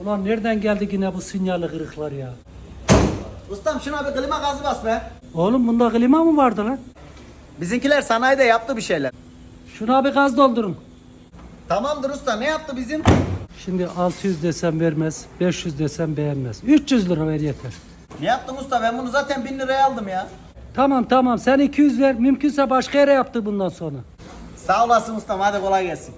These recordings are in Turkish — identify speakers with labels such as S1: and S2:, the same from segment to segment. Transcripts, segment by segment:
S1: Ulan nereden geldi yine bu sinyalli kırıklar ya?
S2: Ustam şuna bir klima gazı bas be.
S1: Oğlum bunda klima mı vardı lan?
S2: Bizimkiler sanayide yaptı bir şeyler.
S1: Şuna bir gaz doldurun.
S2: Tamamdır usta, ne yaptı bizim?
S1: Şimdi 600 desem vermez, 500 desem beğenmez. 300 lira ver yeter.
S2: Ne yaptım usta, ben bunu zaten 1000 liraya aldım ya.
S1: Tamam sen 200 ver, mümkünse başka yere yaptı bundan sonra.
S2: Sağ olasın ustam, hadi kolay gelsin.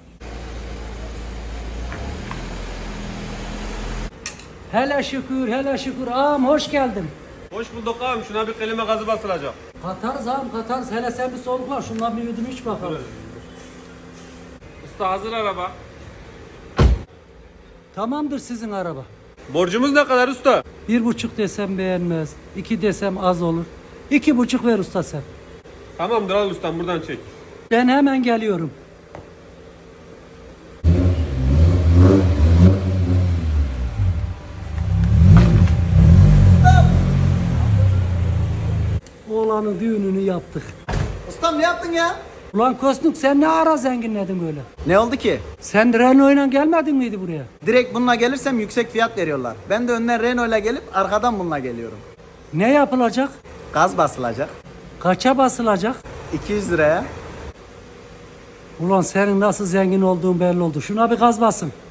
S1: Hele şükür ağam hoş geldin.
S3: Hoş bulduk ağam. Şuna bir kelime gazı basılacak.
S1: Katarız ağam katarız, hele sen bir solukla şundan bir yudum iç bakalım.
S3: Usta hazır araba.
S1: Tamamdır sizin araba.
S3: Borcumuz ne kadar usta?
S1: 1,5 desem beğenmez, 2 desem az olur. 2,5 ver usta sen.
S3: Tamamdır al ustam buradan çek.
S1: Ben hemen geliyorum. Oğlanın düğününü yaptık.
S2: Ustam ne yaptın ya?
S1: Ulan Kosnuk sen ne ara zenginledin böyle?
S2: Ne oldu ki?
S1: Sen Renault'la gelmedin miydi buraya?
S2: Direkt bununla gelirsem yüksek fiyat veriyorlar. Ben de önden Renault'la gelip arkadan bununla geliyorum.
S1: Ne yapılacak?
S2: Gaz basılacak.
S1: Kaça basılacak?
S2: 200 liraya.
S1: Ulan senin nasıl zengin olduğun belli oldu. Şuna bir gaz basın.